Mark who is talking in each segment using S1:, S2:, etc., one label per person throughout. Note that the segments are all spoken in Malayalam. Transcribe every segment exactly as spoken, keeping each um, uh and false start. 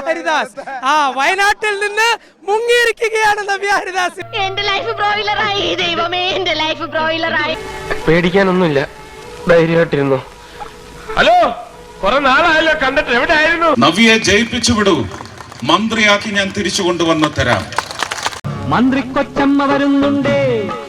S1: ഹരിദാസ്. ആ വയനാട്ടിൽ നിന്ന് മുങ്ങിയിരിക്കുകയാണ് നവ്യ ഹരിദാസ്.
S2: എന്റെ ലൈഫ് ബ്രോയിലറായി ദൈവമേ, എന്റെ ലൈഫ് ബ്രോയിലറായി.
S3: പേടിക്കാനൊന്നുമില്ല, ധൈര്യമായിട്ടിരുന്നു. ഹലോ, കുറെ നാളായല്ലോ കണ്ടിട്ട്, എവിടെയായിരുന്നു?
S4: നവ്യയെ ജയിപ്പിച്ചു വിടൂ, മന്ത്രിയാക്കി ഞാൻ തിരിച്ചു കൊണ്ടുവന്ന് തരാം.
S5: മന്ത്രി കൊച്ചമ്മ വരുന്നുണ്ടേ.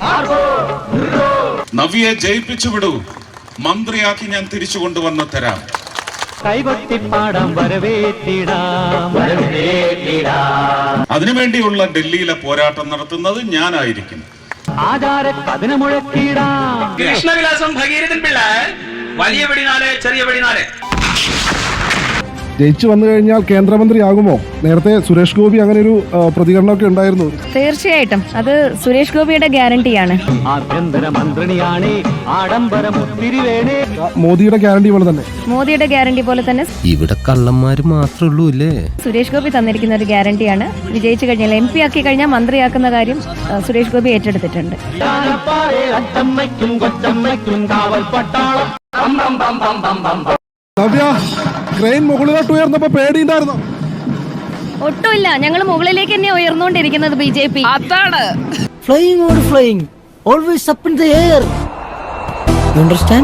S4: നവ്യയെ ജയിപ്പിച്ചു വിടൂ, മന്ത്രിയാക്കി ഞാൻ തിരിച്ചു കൊണ്ടുവന്ന് തരാം.
S5: കൈകൊട്ടിപ്പാടാം വരവേറ്റിടാം വരവേറ്റിടാം.
S4: അതിനുവേണ്ടിയുള്ള ഡൽഹിയിലെ പോരാട്ടം നടത്തുന്നത് ഞാനായിരിക്കും.
S5: ആചാര കഥന മുഴക്കിടാം.
S6: കൃഷ്ണവിലാസം ഭഗീരഥൻ പിള്ള, വലിയ വെടിനാല് ചെറിയ വെടിനാല്.
S7: ജയിച്ചു വന്നു കഴിഞ്ഞാൽ കേന്ദ്രമന്ത്രിയാകുമോ? നേരത്തെ സുരേഷ് ഗോപി അങ്ങനെ ഒരു പ്രതികരണമൊക്കെ ഉണ്ടായിരുന്നു.
S8: തീർച്ചയായിട്ടും അത് സുരേഷ് ഗോപിയുടെ ഗ്യാരണ്ടിയാണ്.
S5: ആഭ്യന്തര മന്ത്രിയാണ്, ആഡംബരം ഒത്തിരി വേണേ.
S7: മോദിയുടെ ഗ്യാരണ്ടി പോലെ തന്നെ
S8: മോദിയുടെ ഗ്യാരണ്ടി പോലെ തന്നെ
S9: ഇവിടെ കള്ളന്മാര് മാത്രമേ ഉള്ളൂ അല്ലേ?
S8: സുരേഷ് ഗോപി തന്നിരിക്കുന്ന ഒരു ഗ്യാരണ്ടിയാണ്. വിജയിച്ചു കഴിഞ്ഞാൽ എം പി ആക്കി കഴിഞ്ഞാൽ മന്ത്രിയാക്കുന്ന കാര്യം സുരേഷ് ഗോപി ഏറ്റെടുത്തിട്ടുണ്ട്.
S7: നവ്യ, ക്രെയിൻ മുകളിലോട്ട് ഉയർന്നപ്പോ പേടിയുണ്ടായിരുന്നോ?
S8: ഒട്ടുമില്ല, ഞങ്ങൾ മുകളിലേക്ക് തന്നെ ഉയർന്നുകൊണ്ടിരിക്കുന്നത്. ബി ജെ പി അതാണ്
S5: flying or flying, always up in the air. You understand?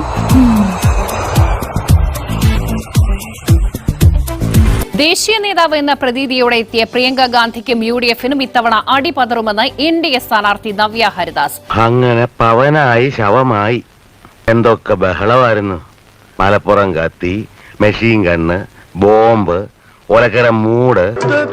S10: ദേശീയ നേതാവ് എന്ന പ്രതീതിയോടെ എത്തിയ പ്രിയങ്ക ഗാന്ധിക്കും യു ഡി എഫിനും ഇത്തവണ അടിപതറുമെന്ന് എൻ ഡി എ സ്ഥാനാർത്ഥി നവ്യ ഹരിദാസ്.
S3: അങ്ങനെ പവനായി ശവമായി എന്തൊക്കെ ബഹളമായിരുന്നു. മലപ്പുറം കത്തി, മെഷീൻ ഗണ്ണ്, ബോംബ്, ഒലക്കര മൂട്.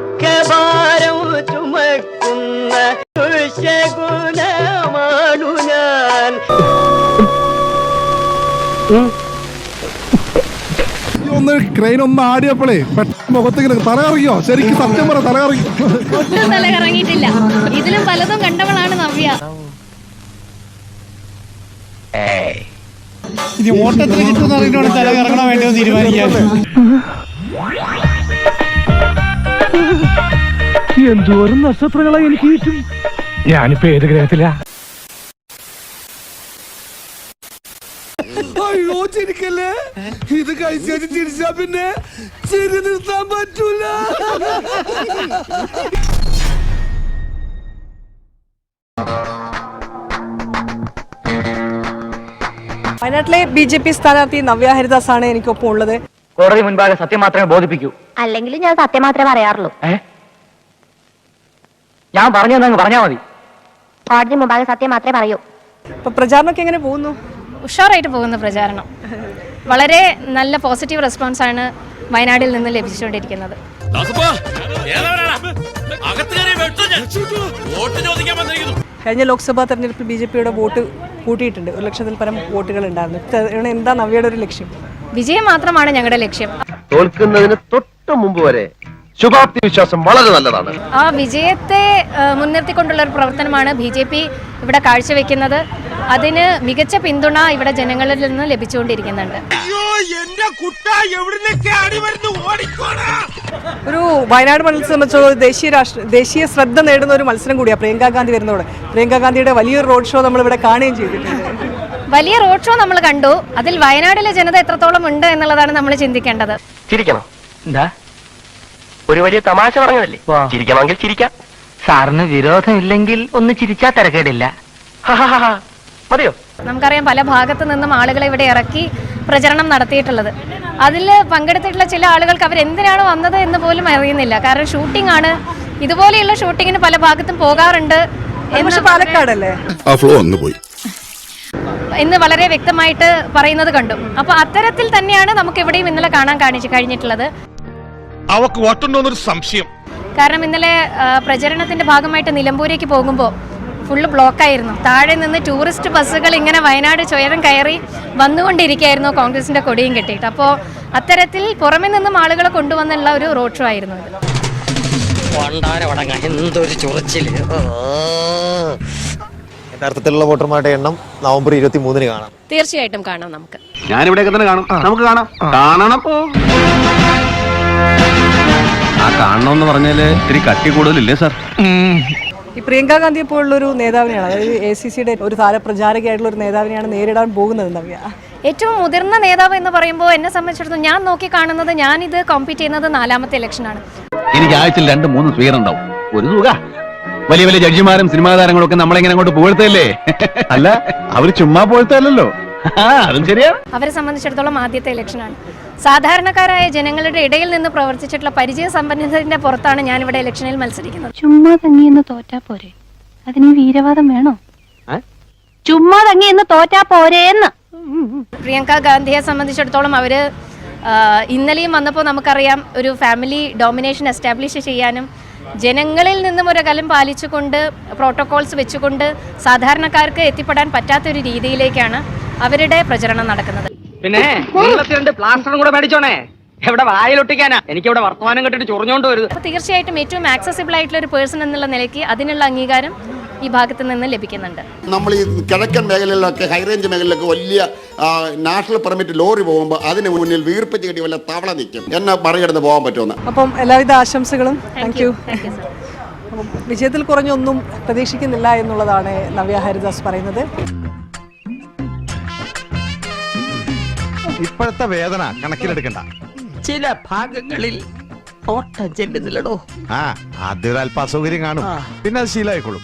S7: ഒന്ന് ക്രെയിൻ ഒന്ന് ആടിയപ്പോഴേ പെട്ടെന്ന് മുഖത്തേക്ക് തല കറങ്ങിയോ? ശരിക്കും സത്യം പറ, തല കറങ്ങി?
S8: ഒട്ടും തല കറങ്ങിയിട്ടില്ല. ഇതിലും പലതും കണ്ടവളാണ് നവ്യ.
S1: ഇനി ഓട്ടത്തിൽ കിട്ടുന്ന അറിഞ്ഞോട് തല കറങ്ങണോ വേണ്ടോ തീരുമാനിക്കാം.
S5: എന്തോരം നക്ഷത്രങ്ങളായി എനിക്ക് കിട്ടും. ഞാനിപ്പോ ഏത് ഗ്രഹത്തിലാ?
S1: അയ്യോ ചിരിക്കല്ലേ, ഇത് കഴിച്ചു ചിരിച്ചാ പിന്നെ ചിരി നിർത്താൻ പറ്റൂല.
S11: വയനാട്ടിലെ ബി ജെ പി സ്ഥാനാർത്ഥി നവ്യ ഹരിദാസ് ആണ് എനിക്കൊപ്പം ഉള്ളത്.
S3: കോടതി മുൻപാകെ സത്യം മാത്രമേ ബോധിപ്പിക്കൂ.
S2: അല്ലെങ്കിൽ ഞാൻ സത്യം മാത്രമേ പറയാറുള്ളൂ.
S3: ഞാൻ പറഞ്ഞെന്നു പറഞ്ഞാ മതി.
S2: കോടതി മുമ്പാകെ സത്യം മാത്രമേ പറയൂ.
S11: ഇപ്പൊ പ്രചാരണമൊക്കെ എങ്ങനെ പോകുന്നു?
S8: ഉഷാറായിട്ട് പോകുന്ന പ്രചാരണം. വളരെ നല്ല പോസിറ്റീവ് റെസ്പോൺസ് ആണ് വയനാട്ടിൽ നിന്ന് ലഭിച്ചുകൊണ്ടിരിക്കുന്നത്.
S11: കഴിഞ്ഞ ലോക്സഭാ തെരഞ്ഞെടുപ്പിൽ ബി ജെ പിയുടെ വോട്ട് കൂട്ടിയിട്ടുണ്ട്. ഒരു ലക്ഷത്തിൽ പരം വോട്ടുകൾ ഉണ്ടായിരുന്നു. എന്താ നവ്യയുടെ ഒരു ലക്ഷ്യം?
S8: വിജയം മാത്രമാണ് ഞങ്ങളുടെ ലക്ഷ്യം.
S3: തോൽക്കുന്നതിന് തൊട്ട് മുമ്പ് വരെ ശുഭാപ്തി വിശ്വാസം വളരെ നല്ലതാണ്.
S8: ആ വിജയത്തെ മുൻനിർത്തിക്കൊണ്ടുള്ള ഒരു പ്രവർത്തനമാണ് ബി ജെ പി ഇവിടെ കാഴ്ചവെക്കുന്നത്. അതിന് മികച്ച പിന്തുണ ഇവിടെ ജനങ്ങളിൽ നിന്ന് ലഭിച്ചുകൊണ്ടിരിക്കുന്നുണ്ട്.
S11: ഒരു വയനാട് മണ്ഡലത്തെ സംബന്ധിച്ചോളം ദേശീയ രാഷ്ട്ര ദേശീയ ശ്രദ്ധ നേടുന്ന ഒരു മത്സരം കൂടിയാണ് പ്രിയങ്ക ഗാന്ധി വരുന്നതോടെ. പ്രിയങ്ക ഗാന്ധിയുടെ വലിയൊരു റോഡ് ഷോ നമ്മൾ ഇവിടെ കാണുകയും ചെയ്തിട്ടുണ്ട്.
S8: വലിയ റോഡ് ഷോ നമ്മൾ കണ്ടു. അതിൽ വയനാട്ടിലെ ജനത എത്രത്തോളം ഉണ്ട് എന്നുള്ളതാണ് നമ്മൾ ചിന്തിക്കേണ്ടത്.
S3: ചിരിക്കണം. എന്താ ഒരു വലിയ തമാശ പറഞ്ഞതല്ലേ? ചിരിക്കണമെങ്കിൽ ചിരിക്കാം.
S5: സാറിന് വിരോധമില്ലെങ്കിൽ ഒന്ന് ചിരിച്ചാ തിരക്കേടില്ല.
S3: മതിയോ?
S8: നമുക്കറിയാം പല ഭാഗത്തു നിന്നും ആളുകളെ ഇവിടെ ഇറക്കി പ്രചരണം നടത്തിയിട്ടുള്ളത്. അതിൽ പങ്കെടുത്തിട്ടുള്ള ചില ആളുകൾക്ക് അവരെന്തിനാണ് വന്നത് എന്ന് പോലും അറിയുന്നില്ല. കാരണം ഷൂട്ടിംഗ് ആണ്. ഇതുപോലെയുള്ള ഷൂട്ടിങ്ങിന് പല ഭാഗത്തും പോകാറുണ്ട്.
S11: പാലക്കാടല്ലേ
S8: എന്ന് വളരെ വ്യക്തമായിട്ട് പറയുന്നത് കണ്ടു. അപ്പൊ അത്തരത്തിൽ തന്നെയാണ് നമുക്ക് ഇവിടെയും ഇന്നലെ കാണാൻ കാണിച്ചു കഴിഞ്ഞിട്ടുള്ളത്.
S6: സംശയം.
S8: കാരണം ഇന്നലെ പ്രചരണത്തിന്റെ ഭാഗമായിട്ട് നിലമ്പൂരേക്ക് പോകുമ്പോൾ ഫുള്ള് ബ്ലോക്കായിരുന്നു. താഴെ നിന്ന് ടൂറിസ്റ്റ് ബസ്സുകൾ ഇങ്ങനെ വയനാട് ചുരം കയറി വന്നുകൊണ്ടിരിക്കുകയായിരുന്നു കോൺഗ്രസിന്റെ കൊടിയും കെട്ടിയിട്ട്. അപ്പോൾ അത്തരത്തിൽ പുറമെ നിന്നും ആളുകളെ കൊണ്ടുവന്നുള്ള ഒരു റോഡ് ഷോ ആയിരുന്നു ഇത്.
S12: യഥാർത്ഥത്തിലുള്ള വോട്ടർമാരുടെ എണ്ണം നവംബർ ഇരുപത്തി മൂന്നിന് കാണാം.
S8: തീർച്ചയായിട്ടും കാണാം. നമുക്ക്
S3: ഞാനിവിടെയൊക്കെ തന്നെ കാണും. നമുക്ക് കാണാം. കാണണം.
S9: ആ കാണണമെന്ന് പറഞ്ഞാല് ഇത്തിരി കട്ടി കൂടുതലില്ലേ സാർ?
S11: ഈ പ്രിയങ്ക ഗാന്ധിയെ പോലുള്ള ഒരു നേതാവിനെയാണ്, അതായത് എ സി സിയുടെ ഒരു താരപ്രചാരകയായിട്ടുള്ള ഒരു നേതാവിനെയാണ് നേരിടാൻ പോകുന്നത് നവ്യ.
S8: ഏറ്റവും മുതിർന്ന നേതാവ് എന്ന് പറയുമ്പോൾ എന്നെ സംബന്ധിച്ചിടത്തോളം ഞാൻ നോക്കി കാണുന്നത്, ഞാനിത് കോമ്പീറ്റ് ചെയ്യുന്നത് നാലാമത്തെ ഇലക്ഷനാണ്.
S9: എനിക്ക് ആഴ്ചയിൽ രണ്ട് മൂന്ന് സ്വീകരണം ഉണ്ടാവും. ഒരു തുക. വലിയ വലിയ ജഡ്ജിമാരും സിനിമാ താരങ്ങളും ഒക്കെ നമ്മളെങ്ങനെ അങ്ങോട്ട് പുകഴ്ത്തല്ലേ? അല്ല, അവര് ചുമ്മാ പുകഴ്ത്തല്ലോ. അതും ശരിയാണ്.
S8: അവരെ സംബന്ധിച്ചിടത്തോളം ആദ്യത്തെ ഇലക്ഷനാണ്. സാധാരണക്കാരായ ജനങ്ങളുടെ ഇടയിൽ നിന്ന് പ്രവർത്തിച്ചിട്ടുള്ള പരിചയ സമ്പന്നതയുടെ പുറത്താണ് ഞാനിവിടെ ഇലക്ഷനിൽ മത്സരിക്കുന്നത്.
S2: ചുമ്മാ തങ്ങിയെന്ന് തോറ്റാ പോരെ, അതിന് വീരവാദം വേണോ? ചുമ്മാ തങ്ങിയെന്ന് തോറ്റാ പോരേന്ന്.
S8: പ്രിയങ്ക ഗാന്ധിയെ സംബന്ധിച്ചിടത്തോളം അവർ ഇന്നലെയും വന്നപ്പോൾ നമുക്കറിയാം ഒരു ഫാമിലി ഡോമിനേഷൻ എസ്റ്റാബ്ലിഷ് ചെയ്യാനും ജനങ്ങളിൽ നിന്നും ഒരു കലം പാലിച്ചുകൊണ്ട് പ്രോട്ടോകോൾസ് വെച്ചുകൊണ്ട് സാധാരണക്കാർക്ക് എത്തിപ്പെടാൻ പറ്റാത്തൊരു രീതിയിലേക്കാണ് അവരുടെ പ്രചരണം നടക്കുന്നത്.
S3: പിന്നെ രണ്ട് പ്ലാസ്റ്ററും കൂടെ മേടിച്ചോണേ. എവിടെ വായിലൊട്ടിക്കാനാ? എനിക്ക് ഇവിടെ വർത്തമാനം കേട്ടിട്ട് ചൊറിഞ്ഞോണ്ട് വരുത്.
S8: അപ്പോൾ തീർച്ചയായിട്ടും ഏറ്റവും ആക്സസിബിൾ ആയിട്ടുള്ള ഒരു പേഴ്സൺ എന്നുള്ള നിലയ്ക്ക് അതിനുള്ള അംഗീകാരം ഈ ഭാഗത്ത് നിന്ന് ലഭിക്കുന്നുണ്ട്.
S13: നമ്മൾ ഈ കിഴക്കൻ മേഖലയിലൊക്കെ ഹൈറേഞ്ച് മേഖലയിലൊക്കെ വലിയ നാഷണൽ പെർമിറ്റ് ലോറി പോകുമ്പോൾ അതിന് മുന്നിൽ വീർപ്പിച്ച് കെട്ടി വല്ല തവള നിൽക്കും. എന്നെ മറികടന്ന് പോകാൻ പറ്റുമെന്ന്.
S11: അപ്പം എല്ലാവിധ ആശംസകളും. Thank you. വിജയത്തിൽ കുറഞ്ഞൊന്നും പ്രതീക്ഷിക്കുന്നില്ല എന്നുള്ളതാണ് നവ്യ ഹരിദാസ് പറയുന്നത്.
S12: ഇപ്പോഴത്തെ വേദന കണക്കിലെടുക്കണ്ട.
S3: ചില ഭാഗങ്ങളിൽ ഓട്ടം ചെല്ലുന്നില്ലടോ.
S12: ആ ആദ്യം ഒരു അല്പ അസൗകര്യം കാണും, പിന്നെ അത് ശീലമായിക്കോളും.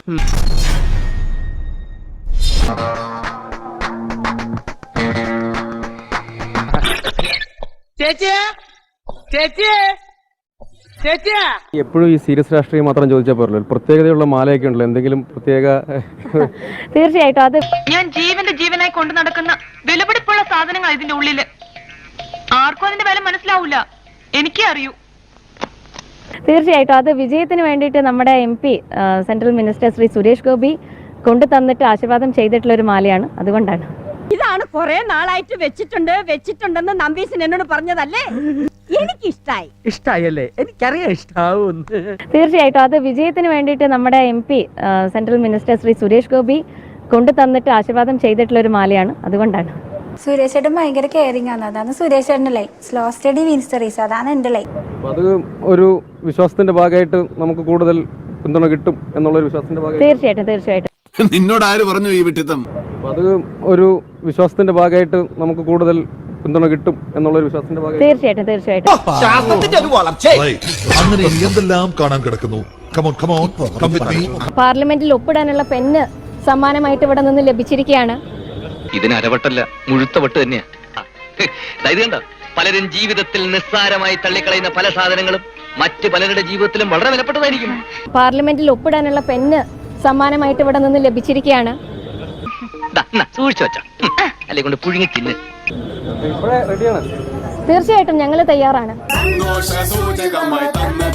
S9: എപ്പോഴും ഈ സീരിയസ് രാഷ്ട്രീയം മാത്രം ചോദിച്ചാൽ പോരല്ലോ. പ്രത്യേകതയുള്ള മാലയൊക്കെ ഉണ്ടല്ലോ, എന്തെങ്കിലും പ്രത്യേക?
S8: തീർച്ചയായിട്ടും അത്
S2: ഞാൻ ജീവന്റെ ജീവനായി കൊണ്ടു നടക്കുന്ന വിലപിടിപ്പുള്ള സാധനങ്ങൾ ഇതിന്റെ ഉള്ളില്. ആർക്കും അതിന്റെ വില മനസ്സിലാവൂല, എനിക്കേ അറിയൂ.
S8: തീർച്ചയായിട്ടും അത് വിജയത്തിന് വേണ്ടിയിട്ട് നമ്മുടെ M P central minister Shri Suresh Gopi കൊണ്ടു തന്നിട്ട് ആശീർവാദം ചെയ്തിട്ടുള്ള ഒരു മാലയാണ്. അതുകൊണ്ടാണ്.
S2: ഇതാണ് കുറെ നാളായിട്ട് വെച്ചിട്ടുണ്ട് വെച്ചിട്ടുണ്ടെന്ന് നമ്പീശൻ എന്നോട് പറഞ്ഞതല്ലേ? എനിക്ക് ഇഷ്ടായി.
S3: ഇഷ്ടായല്ലേ? എനിക്കറിയാം ഇഷ്ടാവും.
S8: തീർച്ചയായിട്ടും അത് വിജയത്തിന് വേണ്ടിയിട്ട് നമ്മുടെ M P central minister Shri Suresh Gopi കൊണ്ടു തന്നിട്ട് ആശീർവാദം ചെയ്തിട്ടുള്ള ഒരു മാലയാണ്. അതുകൊണ്ടാണ്.
S2: സുരേഷ് ചേട്ടൻ ഭയങ്കര കെയറിംഗ് ആണ്. അതാണ് സുരേഷ് ചേട്ടൻ്റെ line. Slow steady wins the race. അതാണ് എൻ്റെ ലൈൻ.
S9: അത് ഒരു വിശ്വാസത്തിന്റെ ഭാഗമായിട്ട് നമുക്ക് കൂടുതൽ പിന്തുണ കിട്ടും എന്നുള്ള ഒരു വിശ്വാസത്തിന്റെ ഭാഗമായിട്ട്.
S8: തീർച്ചയായിട്ടും തീർച്ചയായിട്ടും
S1: നിന്നോട് ആര് പറഞ്ഞു ഈ വിട്ടിത്തം?
S9: അത് ഒരു വിശ്വാസത്തിന്റെ ഭാഗമായിട്ട് നമുക്ക് കൂടുതൽ പിന്തുണ കിട്ടും എന്നുള്ള ഒരു വിശ്വാസത്തിന്റെ ഭാഗമായിട്ട്.
S8: തീർച്ചയായിട്ടും തീർച്ചയായിട്ടും
S13: അങ്ങനെ എന്തെല്ലാം കാണാൻ കിടക്കുന്നു.
S8: പാർലമെന്റിൽ ഒപ്പിടാനുള്ള പെണ്ണ് സമ്മാനമായിട്ട് ഇവിടെ നിന്ന് ലഭിച്ചിരിക്കുകയാണ്.
S3: ഇതിന് അരവട്ടല്ല, മുഴുത്ത വട്ട് തന്നെയാ. ഇത് കണ്ടോ, പലരും ജീവിതത്തിൽ നിസ്സാരമായി തള്ളിക്കളയുന്ന പല സാധനങ്ങളും മറ്റ് പലരുടെ ജീവിതത്തിലും വളരെ വിലപ്പെട്ടതായിരിക്കും.
S8: പാർലമെന്റിൽ ഒപ്പിടാനുള്ള പെണ്ണ് സമ്മാനമായിട്ട് ഇവിടെ നിന്ന് ലഭിച്ചിരിക്കുകയാണ്.
S3: സൂക്ഷിച്ചു വെച്ചാ അല്ലെ കൊണ്ട് പുഴുങ്ങി തിന്ന്.
S8: തീർച്ചയായിട്ടും ഞങ്ങൾ തയ്യാറാണ്.
S1: സന്തോഷ സൂചകമായി തന്നെ